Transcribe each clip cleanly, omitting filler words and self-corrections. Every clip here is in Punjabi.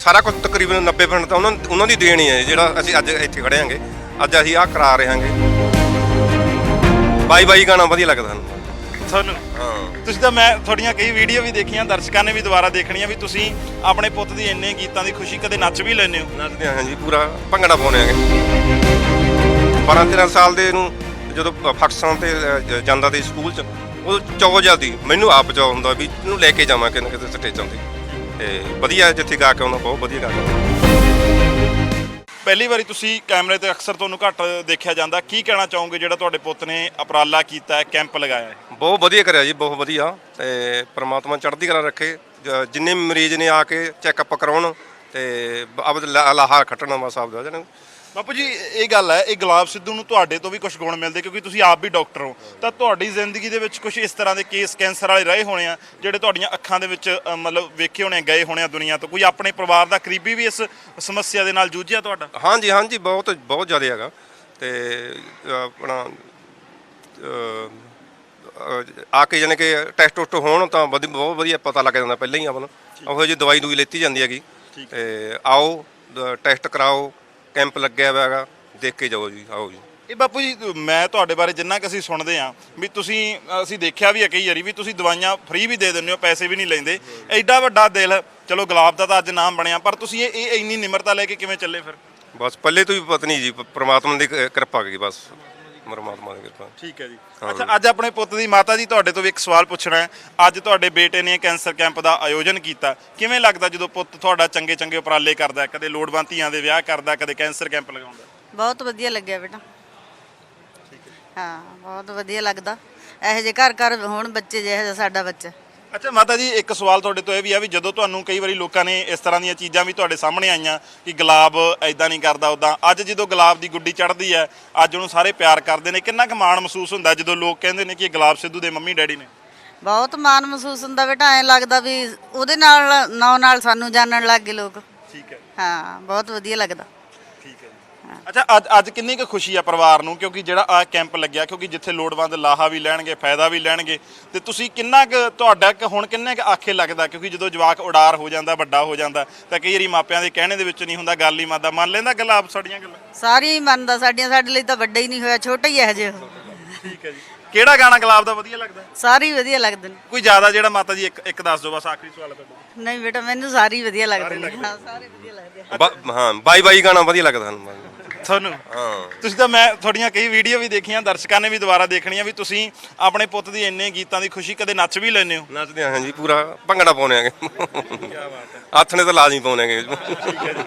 ਸਾਰਾ ਕੁਝ ਤਕਰੀਬਨ 90% ਤਾਂ ਉਹਨਾਂ ਦੀ ਦੇਣ ਹੀ ਹੈ ਜਿਹੜਾ ਅਸੀਂ ਅੱਜ ਇੱਥੇ ਖੜੇ ਆਂਗੇ। ਅੱਜ ਅਸੀਂ ਆਹ ਕਰਾ ਰਹੇ ਹਾਂਗੇ। ਬਾਈ ਗਾਣਾ ਵਧੀਆ ਲੱਗਦਾ ਤੁਹਾਨੂੰ। ਹਾਂ, ਤੁਸੀਂ ਤਾਂ ਮੈਂ ਤੁਹਾਡੀਆਂ ਕਈ ਵੀਡੀਓ ਵੀ ਦੇਖੀਆਂ, ਦਰਸ਼ਕਾਂ ਨੇ ਵੀ ਦੁਬਾਰਾ ਦੇਖਣੀਆਂ ਵੀ ਤੁਸੀਂ ਆਪਣੇ ਪੁੱਤ ਦੀ ਇੰਨੇ ਗੀਤਾਂ ਦੀ ਖੁਸ਼ੀ ਕਦੇ ਨੱਚ ਵੀ ਲੈਂਦੇ ਹੋ। ਨੱਚਦੇ ਹਾਂ ਜੀ, ਪੂਰਾ ਭੰਗੜਾ ਪਾਉਂਦੇ ਆਂਗੇ। 12-13 ਸਾਲ ਦੇ ਨੂੰ ਜਦੋਂ ਫੰਕਸ਼ਨ ਤੇ ਜਾਂਦਾ ਸੀ ਸਕੂਲ 'ਚ, ਉਹ ਚਾਅ ਜਾਂਦੀ ਮੈਨੂੰ ਆਪ ਚਾਅ ਹੁੰਦਾ ਵੀ ਇਹਨੂੰ ਲੈ ਕੇ ਜਾਵਾਂ ਕਿਤੇ ਕਿਤੇ ਸਟੇਜਾਂ ਤੇ ਵਧੀਆ ਜਿੱਥੇ ਗਾ ਕੇ ਆਉਂਦਾ, ਬਹੁਤ ਵਧੀਆ ਗਾ ਕੇ ਆਉਂਦਾ। ਪਹਿਲੀ ਵਾਰੀ ਤੁਸੀਂ ਕੈਮਰੇ ਤੇ ਅਕਸਰ ਤੁਹਾਨੂੰ ਘੱਟ ਦੇਖਿਆ ਜਾਂਦਾ, ਕੀ ਕਹਿਣਾ ਚਾਹੋਗੇ ਜਿਹੜਾ ਤੁਹਾਡੇ ਪੁੱਤ ਨੇ ਉਪਰਾਲਾ ਕੀਤਾ ਹੈ, ਕੈਂਪ ਲਗਾਇਆ ਹੈ? ਬਹੁਤ ਵਧੀਆ ਕਰਿਆ ਜੀ, ਬਹੁਤ ਵਧੀਆ। ਤੇ ਪ੍ਰਮਾਤਮਾ ਚੜ੍ਹਦੀ ਕਲਾ ਰੱਖੇ। ਜਿੰਨੇ ਮਰੀਜ਼ ਨੇ ਆ ਕੇ ਚੈੱਕਅਪ ਕਰਾਉਣ ਤੇ ਆਪ ਲਾਹਾ ਖੱਟਣਾ ਬਸ ਆਪਦਾ ਜਨ। ਬਾਪੂ ਜੀ ਇਹ ਗੱਲ ਹੈ, ਇਹ ਗੁਲਾਬ ਸਿੱਧੂ ਨੂੰ ਤੁਹਾਡੇ ਤੋਂ ਵੀ ਕੁਝ ਗੁਣ ਮਿਲਦੇ ਕਿਉਂਕਿ ਤੁਸੀਂ ਆਪ ਵੀ ਡਾਕਟਰ ਹੋ, ਤਾਂ ਤੁਹਾਡੀ ਜ਼ਿੰਦਗੀ ਦੇ ਵਿੱਚ ਕੁਝ ਇਸ ਤਰ੍ਹਾਂ ਦੇ ਕੇਸ ਕੈਂਸਰ ਵਾਲੇ ਰਹੇ ਹੋਣੇ ਆ ਜਿਹੜੇ ਤੁਹਾਡੀਆਂ ਅੱਖਾਂ ਦੇ ਵਿੱਚ ਮਤਲਬ ਵੇਖੇ ਹੋਣੇ, ਗਏ ਹੋਣੇ ਆ ਦੁਨੀਆ ਤੋਂ। ਕੋਈ ਆਪਣੇ ਪਰਿਵਾਰ ਦਾ ਕਰੀਬੀ ਵੀ ਇਸ ਸਮੱਸਿਆ ਦੇ ਨਾਲ ਜੂਝਿਆ ਤੁਹਾਡਾ? ਹਾਂਜੀ ਬਹੁਤ ਜ਼ਿਆਦਾ ਹੈਗਾ। ਤੇ ਆਪਣਾ ਆ ਕੇ ਜਾਣੀ ਕਿ ਟੈਸਟ ਟੁਸਟ ਹੋਣ ਤਾਂ ਬਹੁਤ ਵਧੀਆ ਪਤਾ ਲੱਗ ਜਾਂਦਾ ਪਹਿਲਾਂ ਹੀ ਆਪਾਂ ਨੂੰ। ਉਹੋ ਜਿਹੀ ਦਵਾਈ ਦੂਈ ਲੈਤੀ ਜਾਂਦੀ ਹੈਗੀ। ਤੇ ਆਓ ਟੈਸਟ ਕਰਾਓ, ਕੈਂਪ ਲੱਗਿਆ ਹੋਇਆ ਹੈਗਾ, ਦੇਖ ਕੇ ਜਾਓ ਜੀ, ਆਓ ਜੀ। ਇਹ ਬਾਪੂ ਜੀ ਮੈਂ ਤੁਹਾਡੇ ਬਾਰੇ ਜਿੰਨਾ ਕਿ ਅਸੀਂ ਸੁਣਦੇ ਹਾਂ ਵੀ ਅਸੀਂ ਦੇਖਿਆ ਵੀ ਹੈ ਕਈ ਵਾਰੀ ਵੀ ਤੁਸੀਂ ਦਵਾਈਆਂ ਫ੍ਰੀ ਵੀ ਦੇ ਦਿੰਦੇ ਹੋ, ਪੈਸੇ ਵੀ ਨਹੀਂ ਲੈਂਦੇ। ਐਡਾ ਵੱਡਾ ਦਿਲ, ਚਲੋ ਗੁਲਾਬ ਦਾ ਤਾਂ ਅੱਜ ਨਾਮ ਬਣਿਆ, ਪਰ ਤੁਸੀਂ ਇਹ ਇੰਨੀ ਨਿਮਰਤਾ ਲੈ ਕੇ ਕਿਵੇਂ ਚੱਲੇ ਫਿਰ? ਬਸ ਪੱਲੇ ਤੋਂ ਵੀ ਪਤਾ ਨਹੀਂ ਜੀ, ਪ੍ਰਮਾਤਮਾ ਦੀ ਕਿਰਪਾ ਹੈਗੀ ਬਸ, ਪਰਮਾਤਮਾ ਦੀ ਕਿਰਪਾ। ਠੀਕ ਹੈ ਜੀ। ਅੱਛਾ, ਅੱਜ ਆਪਣੇ ਪੁੱਤ ਦੀ ਮਾਤਾ ਜੀ ਤੁਹਾਡੇ ਤੋਂ ਵੀ ਇੱਕ ਸਵਾਲ ਪੁੱਛਣਾ ਹੈ। ਅੱਜ ਤੁਹਾਡੇ ਬੇਟੇ ਨੇ ਕੈਂਸਰ ਕੈਂਪ ਦਾ ਆਯੋਜਨ ਕੀਤਾ, ਕਿਵੇਂ ਲੱਗਦਾ ਜਦੋਂ ਪੁੱਤ ਤੁਹਾਡਾ ਚੰਗੇ ਉਪਰਾਲੇ ਕਰਦਾ, ਕਦੇ ਲੋੜਵੰਦ ਧੀਆਂ ਦੇ ਵਿਆਹ ਕਰਦਾ, ਕਦੇ ਕੈਂਸਰ ਕੈਂਪ ਲਗਾਉਂਦਾ? ਬਹੁਤ ਵਧੀਆ ਲੱਗਿਆ ਬੇਟਾ। ਹਾਂ, ਬਹੁਤ ਵਧੀਆ ਲੱਗਦਾ ਇਹੋ ਜਿਹੇ ਘਰ ਹੋਣ ਬੱਚੇ, ਜਿਹੋ ਜਿਹਾ ਸਾਡਾ ਬੱਚਾ। ਅੱਛਾ ਮਾਤਾ ਜੀ, ਇੱਕ ਸਵਾਲ ਤੁਹਾਡੇ ਤੋਂ ਇਹ ਵੀ ਆ ਵੀ ਜਦੋਂ ਤੁਹਾਨੂੰ ਕਈ ਵਾਰੀ ਲੋਕਾਂ ਨੇ ਇਸ ਤਰ੍ਹਾਂ ਦੀਆਂ ਚੀਜ਼ਾਂ ਵੀ ਤੁਹਾਡੇ ਸਾਹਮਣੇ ਆਈਆਂ ਕਿ ਗੁਲਾਬ ਐਦਾਂ ਨਹੀਂ ਕਰਦਾ ਉੱਦਾਂ, ਅੱਜ ਜਦੋਂ ਗੁਲਾਬ ਦੀ ਗੁੱਡੀ ਚੜ੍ਹਦੀ ਹੈ, ਅੱਜ ਉਹਨੂੰ ਸਾਰੇ ਪਿਆਰ ਕਰਦੇ ਨੇ, ਕਿੰਨਾ ਕੁ ਮਾਣ ਮਹਿਸੂਸ ਹੁੰਦਾ ਜਦੋਂ ਲੋਕ ਕਹਿੰਦੇ ਨੇ ਕਿ ਇਹ ਗੁਲਾਬ ਸਿੱਧੂ ਦੇ ਮੰਮੀ ਡੈਡੀ ਨੇ? ਬਹੁਤ ਮਾਣ ਮਹਿਸੂਸ ਹੁੰਦਾ ਬੇਟਾ। ਐਂ ਲੱਗਦਾ ਵੀ ਉਹਦੇ ਨਾਲ ਸਾਨੂੰ ਜਾਣਨ ਲੱਗ ਗਏ ਲੋਕ। ਠੀਕ ਹੈ। ਹਾਂ, ਬਹੁਤ ਵਧੀਆ ਲੱਗਦਾ। ਠੀਕ ਹੈ ਜੀ। ਅੱਛਾ, ਅੱਜ ਕਿੰਨੀ ਕੁ ਖੁਸ਼ੀ ਆ ਪਰਿਵਾਰ ਨੂੰ, ਕਿਉਂਕਿ ਜਿਹੜਾ ਆ ਕੈਂਪ ਲੱਗਿਆ, ਕਿਉਂਕਿ ਜਿੱਥੇ ਲੋੜਵੰਦ ਲਾਹਾ ਵੀ ਲੈਣਗੇ, ਫਾਇਦਾ ਵੀ ਲੈਣਗੇ, ਤੇ ਤੁਸੀਂ ਕਿੰਨਾ ਕੁ ਤੁਹਾਡਾ ਹੁਣ ਕਿੰਨੇ ਕੁ ਆਖੇ ਲੱਗਦਾ? ਕਿਉਂਕਿ ਜਦੋਂ ਜਵਾਕ ਉਡਾਰ ਹੋ ਜਾਂਦਾ, ਵੱਡਾ ਹੋ ਜਾਂਦਾ, ਤਾਂ ਕਈ ਵਾਰੀ ਮਾਪਿਆਂ ਦੇ ਕਹਿਣੇ ਦੇ ਵਿੱਚ ਨਹੀਂ ਹੁੰਦਾ, ਗੱਲ ਹੀ ਮੰਨਦਾ, ਮੰਨ ਲੈਂਦਾ ਗੁਲਾਬ ਸਾਡੀਆਂ ਗੱਲਾਂ? ਸਾਰੀ ਮੰਨਦਾ ਸਾਡੀਆਂ, ਸਾਡੇ ਲਈ ਤਾਂ ਵੱਡਾ ਹੀ ਨਹੀਂ ਹੋਇਆ, ਛੋਟਾ ਹੀ ਹੈ ਹਜੇ। ਠੀਕ ਹੈ ਜੀ। ਕਿਹੜਾ ਗਾਣਾ ਗੁਲਾਬ ਦਾ ਵਧੀਆ ਲੱਗਦਾ? ਸਾਰੇ ਵਧੀਆ ਲੱਗਦੇ ਨੇ। ਕੋਈ ਜ਼ਿਆਦਾ ਜਿਹੜਾ ਮਾਤਾ ਜੀ ਇੱਕ ਦੱਸ ਦਿਓ, ਬਸ ਆਖਰੀ ਸਵਾਲ ਹੈ ਤੁਹਾਡਾ। ਨਹੀਂ ਬੇਟਾ, ਮੈਨੂੰ ਸਾਰੇ ਹੀ ਵਧੀਆ ਲੱਗਦੇ ਨੇ। ਹਾਂ, ਸਾਰੇ ਵਧੀਆ ਲੱਗਦੇ ਆ। ਹਾਂ, ਬਾਈ ਗਾਣਾ ਵਧੀਆ ਲੱਗਦਾ ਤੁਹਾਨੂੰ। ਹਾਂ, ਤੁਸੀਂ ਤਾਂ ਮੈਂ ਤੁਹਾਡੀਆਂ ਕਈ ਵੀਡੀਓ ਵੀ ਦੇਖੀਆਂ, ਦਰਸ਼ਕਾਂ ਨੇ ਵੀ ਦੁਬਾਰਾ ਦੇਖਣੀਆਂ ਵੀ ਤੁਸੀਂ ਆਪਣੇ ਪੁੱਤ ਦੀ ਇੰਨੇ ਗੀਤਾਂ ਦੀ ਖੁਸ਼ੀ ਕਦੇ ਨੱਚ ਵੀ ਲੈਂਦੇ ਹੋ। ਨੱਚਦੇ ਹਾਂ ਜੀ, ਪੂਰਾ ਭੰਗੜਾ ਪਾਉਂਦੇ ਆਂਗੇ। ਕੀ ਬਾਤ ਹੈ। ਹੱਥ ਨੇ ਤਾਂ ਲਾਜ਼ਮੀ ਪਾਉਂਦੇ ਆਂਗੇ। ਠੀਕ ਹੈ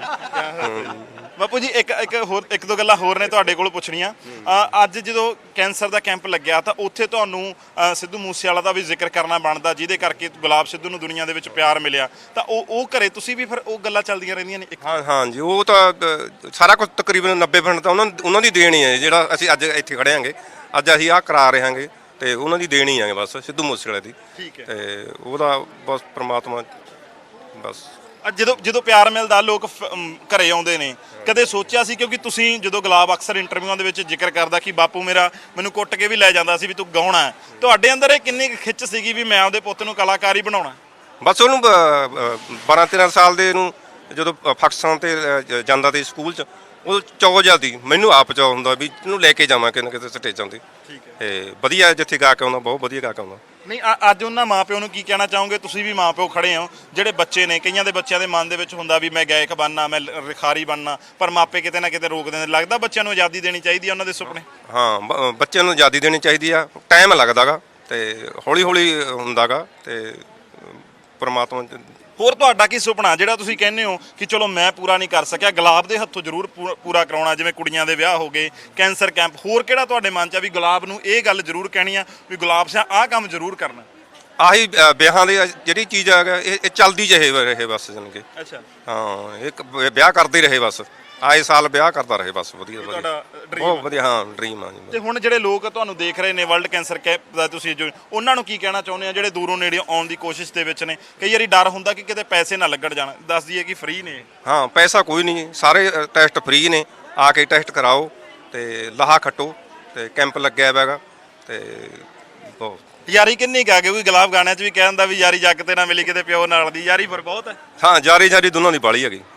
ਜੀ। ਬਾਪੂ ਜੀ ਇੱਕ ਦੋ ਗੱਲਾਂ ਹੋਰ ਨੇ ਤੁਹਾਡੇ ਕੋਲ ਪੁੱਛਣੀਆਂ। ਅੱਜ ਜਦੋਂ ਕੈਂਸਰ ਦਾ ਕੈਂਪ ਲੱਗਿਆ ਤਾਂ ਉੱਥੇ ਤੁਹਾਨੂੰ ਸਿੱਧੂ ਮੂਸੇਵਾਲਾ ਦਾ ਵੀ ਜ਼ਿਕਰ ਕਰਨਾ ਬਣਦਾ, ਜਿਹਦੇ ਕਰਕੇ ਗੁਲਾਬ ਸਿੱਧੂ ਨੂੰ ਦੁਨੀਆ ਦੇ ਵਿੱਚ ਪਿਆਰ ਮਿਲਿਆ, ਤਾਂ ਉਹ ਘਰੇ ਤੁਸੀਂ ਵੀ ਫਿਰ ਉਹ ਗੱਲਾਂ ਚੱਲਦੀਆਂ ਰਹਿੰਦੀਆਂ ਨੇ? ਹਾਂ ਜੀ, ਉਹ ਤਾਂ ਸਾਰਾ ਕੁਝ ਤਕਰੀਬਨ 90% ਤਾਂ ਉਹਨਾਂ ਦੀ ਦੇਣ ਹੀ ਹੈ ਜਿਹੜਾ ਅਸੀਂ ਅੱਜ ਇੱਥੇ ਖੜੇ ਆਂਗੇ। ਅੱਜ ਅਸੀਂ ਆਹ ਕਰਾ ਰਹੇ ਹਾਂਗੇ ਤੇ ਉਹਨਾਂ ਦੀ ਦੇਣ ਹੀ ਆਂਗੇ ਬਸ, ਸਿੱਧੂ ਮੂਸੇਵਾਲੇ ਦੀ। ਠੀਕ ਹੈ। ਤੇ ਉਹਦਾ ਬਸ ਪ੍ਰਮਾਤਮਾ ਬਸ। ਜਦੋਂ ਪਿਆਰ ਮਿਲਦਾ ਲੋਕ ਘਰੇ ਆਉਂਦੇ ਨੇ, ਕਦੇ ਸੋਚਿਆ ਸੀ? ਕਿਉਂਕਿ ਤੁਸੀਂ ਜਦੋਂ ਗੁਲਾਬ ਅਕਸਰ ਇੰਟਰਵਿਊਆਂ ਦੇ ਵਿੱਚ ਜ਼ਿਕਰ ਕਰਦਾ ਕਿ ਬਾਪੂ ਮੇਰਾ ਮੈਨੂੰ ਕੁੱਟ ਕੇ ਵੀ ਲੈ ਜਾਂਦਾ ਸੀ ਵੀ ਤੂੰ ਗਾਉਣਾ ਹੈ, ਤੁਹਾਡੇ ਅੰਦਰ ਇਹ ਕਿੰਨੀ ਖਿੱਚ ਸੀਗੀ ਵੀ ਮੈਂ ਆਪਦੇ ਪੁੱਤ ਨੂੰ ਕਲਾਕਾਰ ਹੀ ਬਣਾਉਣਾ? ਬਸ ਉਹਨੂੰ 12-13 ਸਾਲ ਦੇ ਨੂੰ ਜਦੋਂ ਫੰਕਸ਼ਨ ਤੇ ਜਾਂਦਾ ਸੀ ਸਕੂਲ 'ਚ, ਉਹ ਚਾਅ ਜਾਂਦੀ ਮੈਨੂੰ ਆਪ ਚਾਅ ਹੁੰਦਾ ਵੀ ਇਹਨੂੰ ਲੈ ਕੇ ਜਾਵਾਂ ਕਿਤੇ ਕਿਤੇ ਸਟੇਜਾਂ 'ਤੇ। ਠੀਕ ਹੈ। ਤੇ ਵਧੀਆ ਜਿੱਥੇ ਗਾ ਕੇ ਆਉਂਦਾ, ਬਹੁਤ ਵਧੀਆ ਗਾ ਕੇ ਆਉਂਦਾ। ਨਹੀਂ, ਅੱਜ ਉਹਨਾਂ ਮਾਪਿਓ ਨੂੰ ਕੀ ਕਹਿਣਾ ਚਾਹੋਗੇ? ਤੁਸੀਂ ਵੀ ਮਾਪਿਓ ਖੜੇ ਹੋ, ਜਿਹੜੇ ਬੱਚੇ ਨੇ, ਕਈਆਂ ਦੇ ਬੱਚਿਆਂ ਦੇ ਮਨ ਦੇ ਵਿੱਚ ਹੁੰਦਾ ਵੀ ਮੈਂ ਗਾਇਕ ਬਣਨਾ, ਮੈਂ ਰਿਖਾਰੀ ਬਣਨਾ, ਪਰ ਮਾਪੇ ਕਿਤੇ ਨਾ ਕਿਤੇ ਰੋਕਦੇ ਨੇ। ਲੱਗਦਾ ਬੱਚਿਆਂ ਨੂੰ ਆਜ਼ਾਦੀ ਦੇਣੀ ਚਾਹੀਦੀ ਹੈ ਉਹਨਾਂ ਦੇ ਸੁਪਨੇ? ਹਾਂ, ਬੱਚਿਆਂ ਨੂੰ ਆਜ਼ਾਦੀ ਦੇਣੀ ਚਾਹੀਦੀ ਆ। ਟਾਈਮ ਲੱਗਦਾ ਗਾ ਤੇ ਹੌਲੀ ਹੁੰਦਾ ਗਾ ਤੇ ਪਰਮਾਤਮਾ। ਹੋਰ ਤੁਹਾਡਾ ਕੀ ਸੁਪਨਾ ਜਿਹੜਾ ਤੁਸੀਂ ਕਹਿੰਦੇ ਹੋ ਕਿ ਚਲੋ ਮੈਂ ਪੂਰਾ ਨਹੀਂ ਕਰ ਸਕਿਆ, ਗੁਲਾਬ ਦੇ ਹੱਥੋਂ ਜ਼ਰੂਰ ਪੂਰਾ ਕਰਾਉਣਾ? ਜਿਵੇਂ ਕੁੜੀਆਂ ਦੇ ਵਿਆਹ ਹੋ ਗਏ, ਕੈਂਸਰ ਕੈਂਪ, ਹੋਰ ਕਿਹੜਾ ਤੁਹਾਡੇ ਮਨ 'ਚ ਆ ਵੀ ਗੁਲਾਬ ਨੂੰ ਇਹ ਗੱਲ ਜ਼ਰੂਰ ਕਹਿਣੀ ਆ ਵੀ ਗੁਲਾਬ ਸਿਆ ਆਹ ਕੰਮ ਜ਼ਰੂਰ ਕਰਨਾ? ਆਹੀ ਵਿਆਹਾਂ ਦੀ ਜਿਹੜੀ ਚੀਜ਼ ਆ ਇਹ ਚੱਲਦੀ ਰਹੇ ਬਸ ਜਾਣੀ ਕਿ। ਅੱਛਾ। ਹਾਂ, ਇੱਕ ਵਿਆਹ ਕਰਦੇ ਰਹੇ ਬਸ, ਆਏ ਸਾਲ ਵਿਆਹ ਕਰਦਾ ਰਹੇ ਬਸ। ਵਧੀਆ ਬਹੁਤ ਵਧੀਆ। ਹਾਂ, ਡ੍ਰੀਮ ਆ ਜੀ। ਤੇ ਹੁਣ ਜਿਹੜੇ ਲੋਕ ਤੁਹਾਨੂੰ ਦੇਖ ਰਹੇ ਨੇ ਵਰਲਡ ਕੈਂਸਰ ਕੈਂਪ ਦਾ ਤੁਸੀਂ ਜੋ, ਉਹਨਾਂ ਨੂੰ ਕੀ ਕਹਿਣਾ ਚਾਹੁੰਦੇ ਆ ਜਿਹੜੇ ਦੂਰੋਂ ਨੇੜੇ ਆਉਣ ਦੀ ਕੋਸ਼ਿਸ਼ ਦੇ ਵਿੱਚ ਨੇ? ਕਈ ਵਾਰੀ ਡਰ ਹੁੰਦਾ ਕਿ ਕਿਤੇ ਪੈਸੇ ਨਾ ਲੱਗਣ ਜਾਣ, ਦੱਸ ਦਈਏ ਕਿ ਫ੍ਰੀ ਨੇ। ਹਾਂ, ਪੈਸਾ ਕੋਈ ਨਹੀਂ, ਸਾਰੇ ਟੈਸਟ ਫ੍ਰੀ ਨੇ। ਆ ਕੇ ਟੈਸਟ ਕਰਾਓ ਤੇ ਲਾਹਾ ਖੱਟੋ ਤੇ ਕੈਂਪ ਲੱਗਿਆ ਹੋਇਆ ਹੈਗਾ ਤੇ ਬਹੁਤ ਯਾਰੀ ਕਿੰਨੀ ਕੁ ਆ ਕਿਉਂਕਿ ਗੁਲਾਬ ਗਾਣਿਆਂ 'ਚ ਵੀ ਕਹਿ ਦਿੰਦਾ ਵੀ ਯਾਰੀ ਜੱਗ ਤੇ ਨਾ ਮਿਲੀ ਕਿਤੇ ਪਿਓ ਨਾਲ ਦੀ, ਯਾਰੀ ਫਿਰ ਬਹੁਤ ਹੈ। ਹਾਂ ਜਾਰੀ ਜਾਰੀ ਦੋਨਾਂ ਦੀ ਬਾਲੀ ਹੈਗੀ।